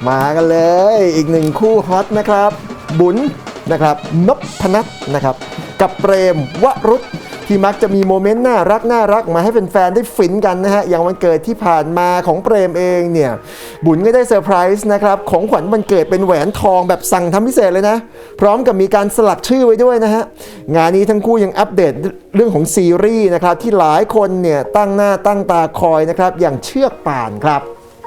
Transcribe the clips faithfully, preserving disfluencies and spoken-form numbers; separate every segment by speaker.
Speaker 1: มากันเลยอีกหนึ่งคู่ฮอตนะครับบุญนะครับนพนัทนะครับกับเปรมวรุษที่มักจะมีโมเมนต์น่ารักน่ารักมาให้แฟนๆได้ฟินกันนะฮะอย่างวันเกิดที่ผ่านมาของเปรมเองเนี่ยบุญก็ได้เซอร์ไพรส์นะครับของขวัญวันเกิดเป็นแหวนทองแบบสั่งทำพิเศษเลยนะพร้อมกับมีการสลักชื่อไว้ด้วยนะฮะงานนี้ทั้งคู่ยังอัปเดตเรื่องของซีรีส์นะครับที่หลายคนเนี่ยตั้งหน้าตั้งตาคอยนะครับอย่างเชือกป่านครับ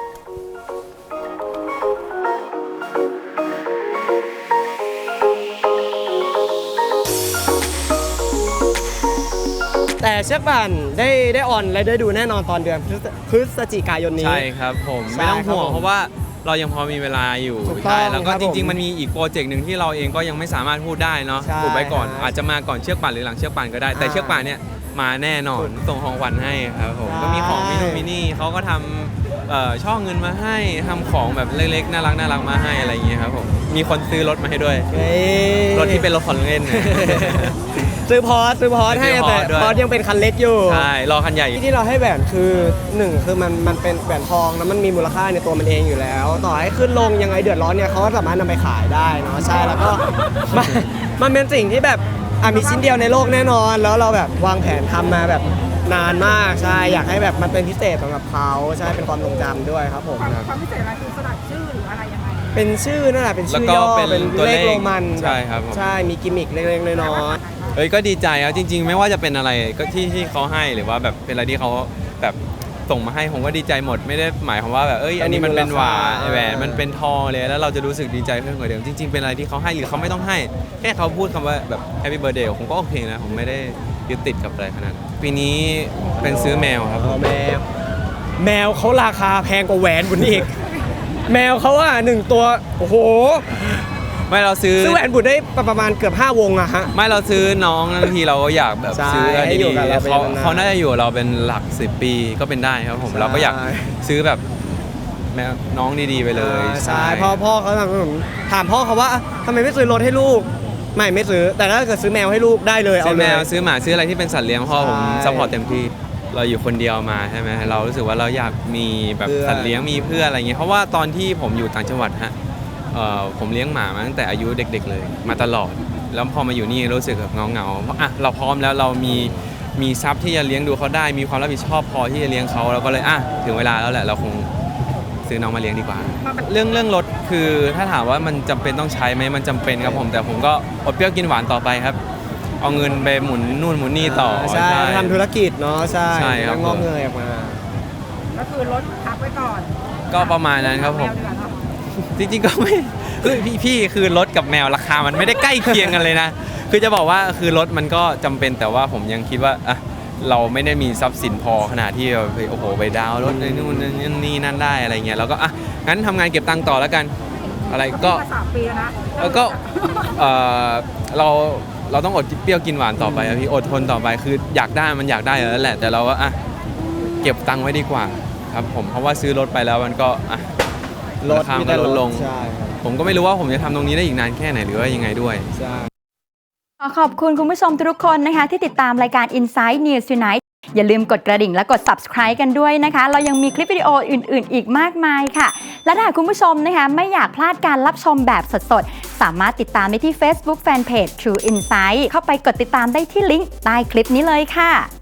Speaker 2: แต่เชือกป่านได้ได้ออนและได้ดูแน่นอนตอนเดือนพฤศจิกายนนี้
Speaker 3: ใช่ครับผมไม่ต้องห่วงเพราะว่าเรายังพอมีเวลาอยู่ใช่แล้วก็จริงๆมันมีอีกโปรเจกต์หนึ่งที่เราเองก็ยังไม่สามารถพูดได้เนาะพูดไปก่อนอาจจะมาก่อนเชือกป่านหรือหลังเชือกป่านก็ได้แต่เชือกป่านเนี่ยมาแน่นอนส่งของขวัญให้ครับผมก็มีของมินูมินี่เขาก็ทำช่อเงินมาให้ทำของแบบเล็กๆน่ารักน่ารักมาให้อะไรอย่างเงี้ยครับผมมีคนซื้อรถมาให้ด้วยรถที่เป็นรถของเล่น
Speaker 2: ซื้อพอร์ตซื้อพอร์ตให้แต่พอร์ตยังเป็นคันเล็กอยู่
Speaker 3: ใช่รอคันใหญ่
Speaker 2: ที่เราให้แหวนคือหนึ่งคือมันมันเป็นแหวนทองแล้วมันมีมูลค่าในตัวมันเองอยู่แล้วต่อให้ขึ้นลงยังไงเดือดร้อนเนี่ยเขาก็สามารถนำไปขายได้เนาะใช่แล้วก็มันมันเป็นสิ่งที่แบบอ่ะมีชิ้นเดียวในโลกแน่นอนแล้วเราแบบวางแผนทำมาแบบนานมากใช่อยากให้แบบมันเป็นพิเศษสำหรับเขาใช่เป็นความทรงจำด้วยครับผม
Speaker 4: ความพิเศษอะไรคือสลักชื่อหรืออะไรยังไง
Speaker 2: เป็นชื่อนั่นแหละเป็นชื่อย่อเป็นเลขโรมัน
Speaker 3: ใช่ครับ
Speaker 2: ใช่มีกิมมิคเล็กๆน้อย
Speaker 3: ๆเอ้ยก็ดีใจครับจริงๆไม่ว่าจะเป็นอะไรก็ที่ที่เขาให้หรือว่าแบบเป็นอะไรที่เขาแบบส่งมาให้ผมก็ดีใจหมดไม่ได้หมายความว่าแบบเอ้ยอันนี้มันเป็นหวานแหวนมันเป็นทองเลยแล้วเราจะรู้สึกดีใจเพิ่มกว่าเดิมจริงๆเป็นอะไรที่เขาให้หรือเขาไม่ต้องให้แค่เขาพูดคำว่าแบบ Happy Birthday ผมก็โอเคนะผมไม่ได้ยึดติดกับอะไรขนาดนั้นปีนี้เป็นซื้อแมวครับ
Speaker 2: แมวแมวเขาราคาแพงกว่าแหวนบุญอีกแมวเขาว่าหนึ่งตัวโอ้โห
Speaker 3: ไม่เราซื้อ
Speaker 2: ซื้อแหวนบุญได้ประมาณเกือบห้าวงอะฮะ
Speaker 3: ไม่เราซื้อน้องบางทีเราก็อยากแบบซื้ออะไรดีเขาเขาน่าจะอยู่เราเป็นหลักสิบปีก็เป็นได้ครับผมเราก็อยากซื้อแบบแมวน้องดีๆไปเลย
Speaker 2: ใช่พ่อพ่อเขาถามถามพ่อเขาว่าทำไมไม่ซื้อรถให้ลูกไม่ไม่ซื้อแต่ถ้าเกิดซื้อแมวให้ลูกได้เลย
Speaker 3: เอาแมวซื้อหมาซื้ออะไรที่เป็นสัตว์เลี้ยงพ่อผมซัพพอร์ตเต็มที่เราอยู่คนเดียวมาใช่ไหมเรารู้สึกว่าเราอยากมีแบบสัตว์เลี้ยงมีเพื่อนอะไรเงี้ยเพราะว่าตอนที่ผมอยู่ต่างจังหวัดฮะผมเลี้ยงหมามาตั้งแต่อายุเด็กๆเลยมาตลอดแล้วพอมาอยู่นี่รู้สึกแบบเงาๆเพราะอ่ะเราพร้อมแล้วเรามีมีทรัพย์ที่จะเลี้ยงดูเขาได้มีความรับผิดชอบพอที่จะเลี้ยงเขาเราก็เลยอ่ะถึงเวลาแล้วแหละเราคงซื้อน้องมาเลี้ยงดีกว่าเรื่องเรื่องรถคือถ้าถามว่ามันจำเป็นต้องใช้ไหมมันจำเป็นครับผมแต่ผมก็อดเปรี้ยวกินหวานต่อไปครับเอาเงินไปหมุนนู่นหมุนนี่ต่อ
Speaker 2: ใช่ทำธุรกิจเนาะใช่
Speaker 3: ใช่ครับ
Speaker 2: งอกเงยออกมา
Speaker 4: ก็คือรถพักไว้ก่อน
Speaker 3: ก็ประมาณนั้นครับผมจริงๆก็ไม่คือพี่พี่คือรถกับแมวราคามันไม่ได้ใกล้เคียงกันเลยนะคือจะบอกว่าคือรถมันก็จำเป็นแต่ว่าผมยังคิดว่าอ่ะเราไม่ได้มีทรัพย์สินพอขนาดที่โอ้โหไปดาวรถในนู่นนี่นั่นได้อะไรเงี้ยแล้วก็อ่ะงั้นทำงานเก็บตังค์ต่อแล้วกันอะไรก็
Speaker 4: สามปีนะ
Speaker 3: แล้วก็เออเราเราต้องอดเปรี้ยวกินหวานต่อไปพี่อดทนต่อไปคืออยากได้มันอยากได้แล้วแหละแต่เราก็อ่ะเก็บตังค์ไว้ดีกว่าครับผมเพราะว่าซื้อรถไปแล้วมันก็อ่ะราคามันลดลงผมก็ไม่รู้ว่าผมจะทำตรงนี้ได้อีกนานแค่ไหนหรือว่ายังไงด้วย
Speaker 5: ขอขอบคุณคุณผู้ชมทุกคนนะคะที่ติดตามรายการ Inside News Tonight อย่าลืมกดกระดิ่งและกด Subscribe กันด้วยนะคะเรายังมีคลิปวิดีโออื่นๆอีกมากมายค่ะและถ้าคุณผู้ชมนะคะไม่อยากพลาดการรับชมแบบสดๆสามารถติดตามได้ที่ Facebook Fanpage True Insight เข้าไปกดติดตามได้ที่ลิงก์ใต้คลิปนี้เลยค่ะ